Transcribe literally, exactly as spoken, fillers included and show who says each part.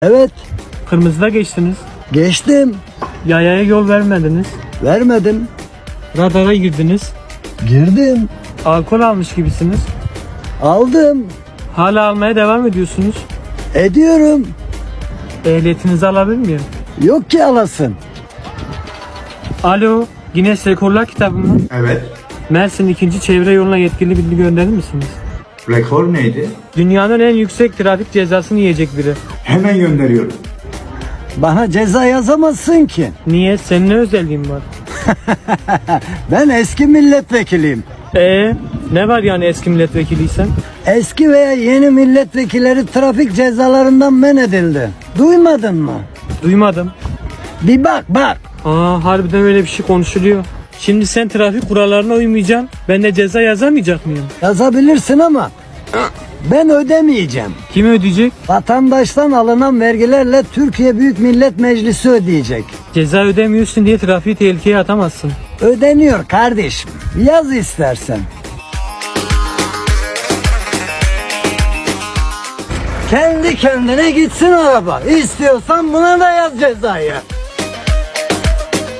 Speaker 1: Evet,
Speaker 2: Kırmızıda geçtiniz.
Speaker 1: geçtim.
Speaker 2: Yayaya yol vermediniz.
Speaker 1: Vermedim.
Speaker 2: Radara girdiniz.
Speaker 1: Girdim.
Speaker 2: Alkol almış gibisiniz.
Speaker 1: Aldım.
Speaker 2: Hala almaya devam ediyorsunuz.
Speaker 1: Ediyorum.
Speaker 2: Ehliyetinizi alabilir miyim?
Speaker 1: Yok ki alasın.
Speaker 2: Alo, Guinness Rekorlar kitabı mı?
Speaker 3: Evet.
Speaker 2: Mersin ikinci çevre yoluna yetkili bilgi gönderir misiniz?
Speaker 3: Rekor neydi?
Speaker 2: Dünyanın en yüksek trafik cezasını yiyecek biri.
Speaker 3: Hemen gönderiyorum.
Speaker 1: Bana ceza yazamazsın ki.
Speaker 2: Niye? Senin ne özelliğin var?
Speaker 1: Ben eski milletvekiliyim.
Speaker 2: Ee, ne var yani eski milletvekiliysen?
Speaker 1: Eski veya yeni milletvekilleri trafik cezalarından men edildi. Duymadın mı?
Speaker 2: Duymadım.
Speaker 1: Bir bak bak.
Speaker 2: Aa, harbiden öyle bir şey konuşuluyor. Şimdi sen trafik kurallarına uymayacaksın. Ben de ceza yazamayacak mıyım?
Speaker 1: Yazabilirsin ama ben ödemeyeceğim.
Speaker 2: Kim ödeyecek?
Speaker 1: Vatandaştan alınan vergilerle Türkiye Büyük Millet Meclisi ödeyecek.
Speaker 2: Ceza ödemiyorsun diye trafiği tehlikeye atamazsın.
Speaker 1: Ödeniyor kardeşim. Yaz istersen. Kendi kendine gitsin araba. İstiyorsan buna da yaz cezayı.